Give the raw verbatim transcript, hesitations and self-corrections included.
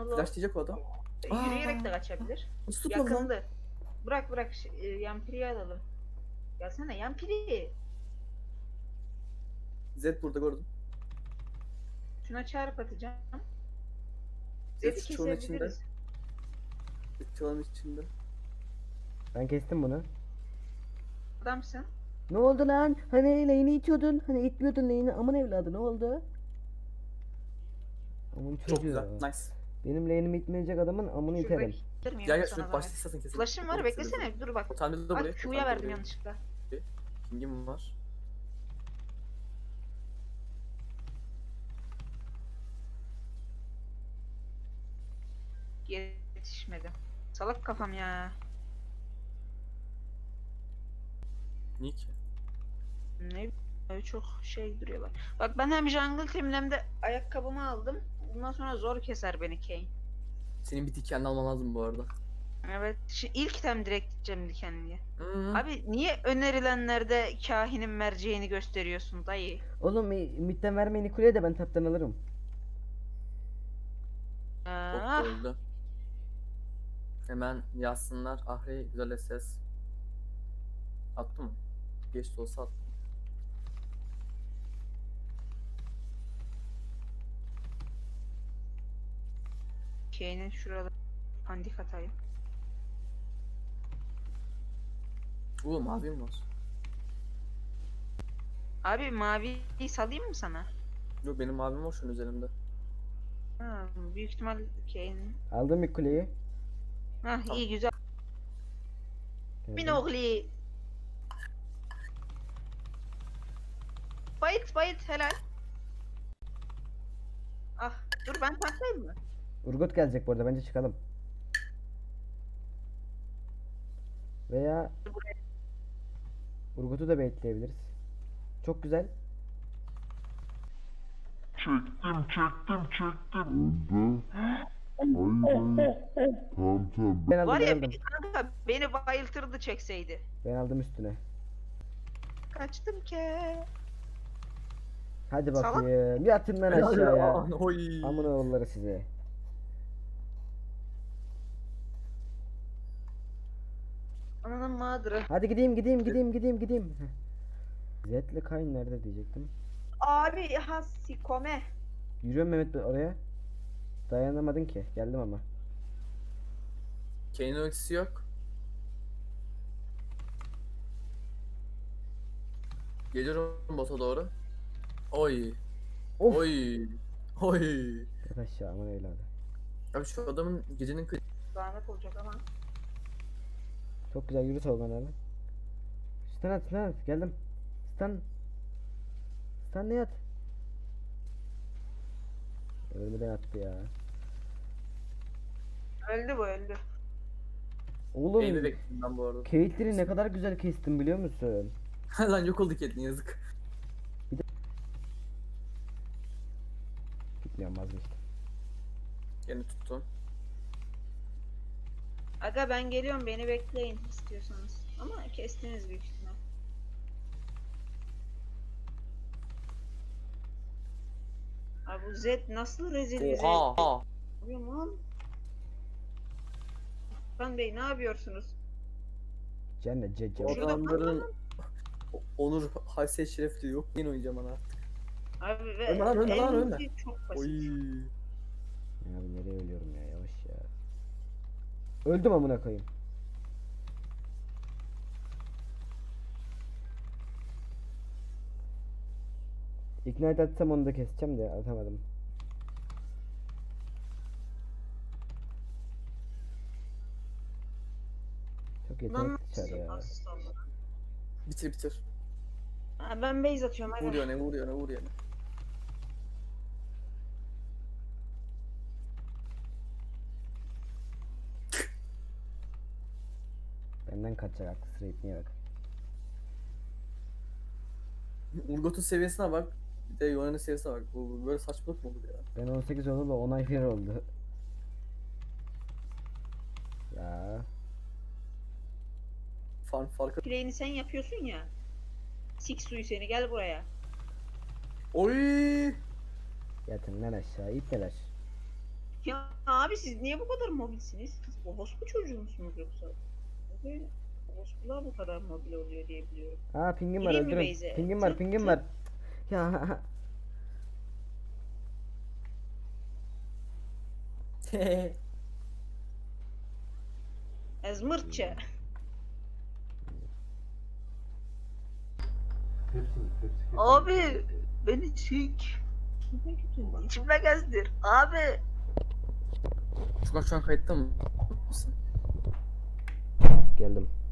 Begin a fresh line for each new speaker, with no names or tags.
Anadolu
Flash diyecek o adam.
e, yürüyerek de
Aa,
kaçabilir.
nasıl tutmadı lan?
Yakındı. Bırak bırak ş- e, Yampiri'yi alalım. Gelsene Yampiri.
Zed burada gördüm.
Şuna çarp atacağım.
Zed
Zed'i
şu çalın içinde.
kesebiliriz.
Zed çalın içinde.
Ben kestim bunu.
Adamsın.
Ne oldu lan? Hani lane'i itiyordun. Hani itmiyordun lane'i. Aman evladı ne oldu? Aman çocuğu.
Çok güzel. Nice.
Benim lane'imi itmeyecek adamın amını
Şurada
iterim.
ittirmeyeyim
Gel gel
sana
şunu
zahmet.
başlasın kesin.
Flash'ım var beklesene dur bak.
Tamir de
Ay
buraya.
Q'ya verdim yanlışlıkla.
King'im var.
Yetişmedi. Salak kafam ya.
Niye ki?
Ne bileyim, çok şey duruyorlar. Bak ben hem jungle team'im hem de ayakkabımı aldım. Bundan sonra zor keser beni Kayn.
Senin bir dikenli alman lazım bu arada.
Evet. Şimdi ilk tem direkt gideceğim dikenliye.
Hmm.
Abi niye önerilenlerde kahinin merceğini gösteriyorsun dayı?
Oğlum mi- midden vermeyin kuleye de ben taptan alırım.
Çok
Ah,
öldü. Hemen yazsınlar. Ahri güzel ses. Attı mı? Geç de olsa attı.
Kane'in şurada pandik atayım.
Uuu mavim var.
Abi maviyi salayım mı sana?
Yok benim mavim var şunun üzerinde.
Ha, büyük ihtimal Kane'in.
Aldım bir kuleyi.
Hah iyi güzel.
Geldim.
Minogli. Bayit bayit helal. Ah dur ben tanklayayım mı?
Urgot gelecek bu arada bence çıkalım. Veya Urgot'u da baitleyebiliriz. Çok güzel.
Çektim çektim çektim. Öldü. Hayır hayır. Tamam tamam.
Ben aldım
Var
ben
ya
aldım.
bir kanka beni bayıltırdı çekseydi.
Ben aldım üstüne.
Kaçtım ke.
Hadi
Salak.
bakayım. Bir atın lan aşağıya.
Oy.
Amına oğulları size.
Ananın mağdırı.
Hadi gideyim gideyim gideyim gideyim gideyim. Heh. Zed'le Kayn nerede diyecektim.
Abi ha sikome.
Yürüyorum Mehmet oraya. Dayanamadın ki. Geldim ama.
Kane'in ultisi yok. Geliyorum bota doğru. Oy.
Of.
Oy. Oy.
Yat aşağı aman evladı.
Abi şu adamın gecenin kı-
Zahmet olacak ama.
Çok güzel yürü Tolga nerede? Stun at stun at. Geldim. Stun. Stun ne at? Ölmeden attı ya.
Öldü bu öldü.
Oğlum.
Eğimi bekledim ben bu arada.
Caitlyn'i ne kadar güzel kestim biliyor musun?
Lan yok oldu Caitlyn yazık.
Gitmiyorum vazgeçtim.
Yine tuttum.
Aga ben geliyorum beni bekleyin istiyorsanız. Ama kestiniz büyük ihtimal. Abi bu Z nasıl rezil bir Z?
Oha.
Yapıyorum lan. Kan Bey ne yapıyorsunuz?
Cennet cece.
O
Şurada
adamların onur, haysiyet şerefli yok. Yine oynayacağım ana artık.
Abi ve
Ölme lan, ölme lan,
en
ölme.
iyisi çok basit.
Oy.
Abi nereye ölüyorum ya yavaş ya. Öldüm amına koyayım. Ignite atsam onu da keseceğim de atamadım. Çok
Lan
yetenek dışarı ya.
asist oldu.
Bitir bitir.
Ha, ben base atıyorum hadi.
Vuruyor ne vuruyor ne vuruyor ne.
Benden kaçacak aklı sıra ipneye bak.
Urgot'un seviyesine bak. Bir de Yone'nin seviyesine bak. Bu, bu böyle saçmalık mı olur ya?
Ben on sekiz oldu da on ay bir oldu. Ya.
Farm farkı.
Play'ini sen yapıyorsun ya. Sik suyu seni gel buraya.
Oy.
Yatın lan aşağı ipneler.
Ya abi siz niye bu kadar mobilsiniz? Siz orospu çocuğu musunuz yoksa? Böyle orospular bu kadar mobil oluyor diye biliyorum.
Aa pingim var
Gireyim mi
öldürün.
base'e?
Pingim var
Tık
pingim
tık.
var. Ya
Ezmırtça. Abi beni çek. İçime gezdir. Abi.
Furkan şu an kayıtta mı? Mısın?
geldim.